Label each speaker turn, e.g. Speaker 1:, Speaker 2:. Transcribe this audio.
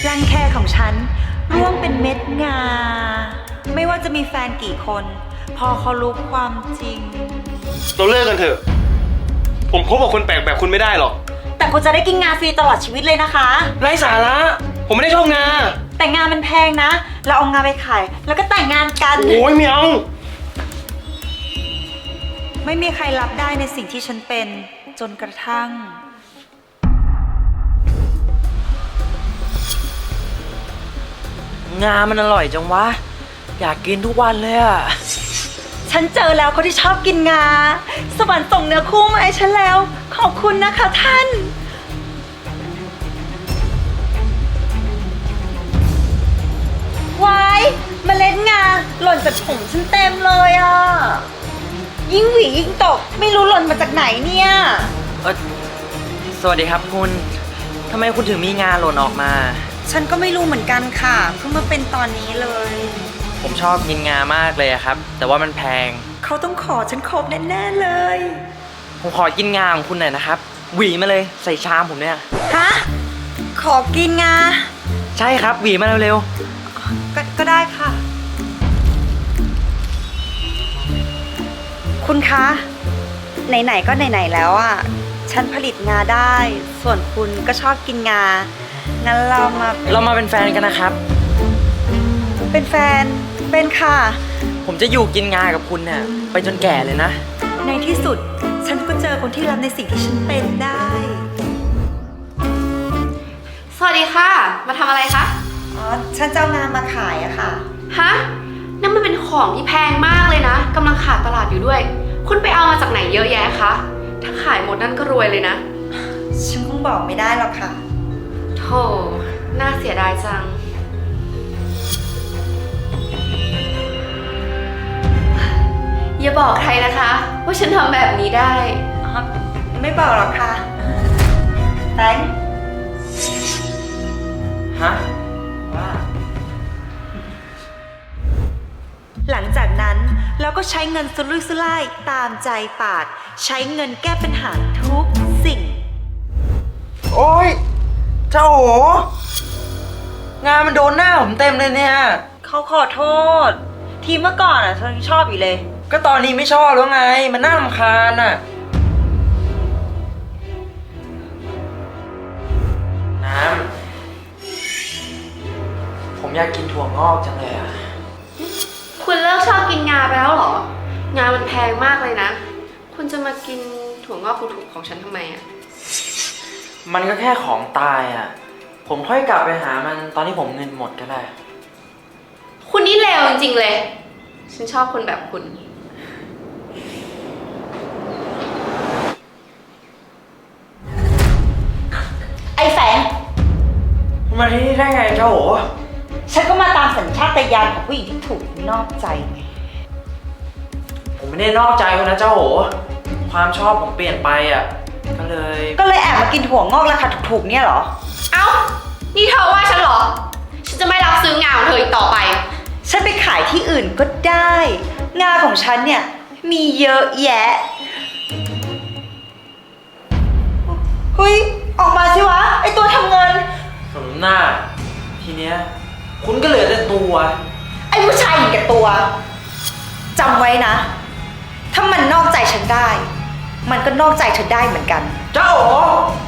Speaker 1: รังแคของฉันร่วงเป็นเม็ดงาไม่ว่าจะมีแฟนกี่คนพอเขารู้ความจริง
Speaker 2: เราเลิกกันเถอะผมคบกับคนแปลกแบบคุณไม่ได้หรอก
Speaker 1: แต่คุณจะได้กินงาฟรีตลอดชีวิตเลยนะคะ
Speaker 2: ไร้สาระผมไม่ได้ชอบงา
Speaker 1: แต่งานมันแพงนะเราเอางาไปขายแล้วก็แต่งงานกัน
Speaker 2: โอ้ยไม่เอา
Speaker 1: ไม่มีใครรับได้ในสิ่งที่ฉันเป็นจนกระทั่ง
Speaker 3: งามันอร่อยจังวะอยากกินทุกวันเลยอ่ะ
Speaker 1: ฉันเจอแล้วคนที่ชอบกินงาสวรรค์ส่งเนื้อคู่มาให้ฉันแล้วขอบคุณนะคะท่านวายเมล็ดงาหล่นจากผมฉันเต็มเลยอ่ะยิ่งหวียิ่งตกไม่รู้หล่นมาจากไหนเนี่ย
Speaker 3: สวัสดีครับคุณทำไมคุณถึงมีงาหล่นออกมา
Speaker 1: ฉันก็ไม่รู้เหมือนกันค่ะเพิ่งมาเป็นตอนนี้เลย
Speaker 3: ผมชอบกินงามากเลยครับแต่ว่ามันแพง
Speaker 1: เขาต้องขอฉันครบแน่ๆเลย
Speaker 3: ผมขอกินงาของคุณหน่อยนะครับหวีมาเลยใส่ชามผมเนี่ย
Speaker 1: ฮะขอกินงา
Speaker 3: ใช่ครับหวีมาเร็ว
Speaker 1: ก็ได้ค่ะคุณคะไหนๆก็ไหนๆแล้วอ่ะฉันผลิตงาได้ส่วนคุณก็ชอบกินงางั้นเรามา
Speaker 3: เป็นแฟนกันนะครับ
Speaker 1: เป็นแฟนเป็นค่ะ
Speaker 3: ผมจะอยู่กินงากับคุณเนี่ยไปจนแก่เลยนะ
Speaker 1: ในที่สุดฉันก็เจอคนที่รับในสิ่งที่ฉันเป็นได้
Speaker 4: สวัสดีค่ะมาทำอะไรคะ
Speaker 1: อ๋อฉันจะเอางามาขายอะค่ะ
Speaker 4: ฮะนั่นมันเป็นของที่แพงมากเลยนะกำลังขาดตลาดอยู่ด้วยคุณไปเอามาจากไหนเยอะแยะคะถ้าขายหมดนั่นก็รวยเลยนะ
Speaker 1: ฉันคงบอกไม่ได้หรอกค่ะ
Speaker 4: โธ่น่าเสียดายจังอย่าบอกใครนะคะว่าฉันทำแบบนี้ได้
Speaker 1: ไม่บอกหรอกค่ะแตง
Speaker 3: ฮะว่า
Speaker 1: หลังจากนั้นเราก็ใช้เงินสุรุ่ยสุร่ายตามใจปากใช้เงินแก้ปัญหาทุกสิ่ง
Speaker 3: โอ๊ยเจ้าโหงานมันโดนหน้าผมเต็มเลยเนี่ย
Speaker 1: เขาขอโทษทีเมื่อก่อนอ่ะฉันชอบอยู่เลย
Speaker 3: ก็ตอนนี้ไม่ชอบแล้วไงมันน่ารำคาญอ่ะน้ำผมอยากกินถั่วงอกจังเลยอ่ะ
Speaker 4: คุณเลิกชอบกินงาไปแล้วเหรองามันแพงมากเลยนะคุณจะมากินถั่วงอกถูกๆของฉันทำไมอ่ะ
Speaker 3: มันก็แค่ของตายอ่ะผมค่อยกลับไปหามันตอนที่ผมเงินหมดก็ได้
Speaker 4: คุณนี่เลวจริงๆเลยฉันชอบคนแบบคุณ
Speaker 1: ไอ้แฝง
Speaker 3: คุณมาที่นี่ได้ไงเจ้าโห
Speaker 1: ฉันก็มาตามสัญชาตญาณของผู้หญิงที่ถูกนอกใจไง
Speaker 3: ผมไม่ได้นอกใจคุณนะเจ้าโหความชอบผมเปลี่ยนไปอ่ะก็เลย
Speaker 1: แอบมากินถั่วงอกราคาถูกๆเนี่ยเหรอ
Speaker 4: เอ้านี่เธอว่าฉันเหรอฉันจะไม่รับซื้องาของเธออีกต่อไป
Speaker 1: ฉันไปขายที่อื่นก็ได้งาของฉันเนี่ยมีเยอะแยะเฮ้ยออกมาสิวะไอตัวทำเงิน
Speaker 3: สมหน้าทีเนี้ยคุณก็เหลือแต่ตัว
Speaker 1: ไอผู้ชายเห็นแก่ตัวจำไว้นะถ้ามันนอกใจฉันได้มันก็นอกใจเธอได้เหมือนกัน
Speaker 3: เจ้าโห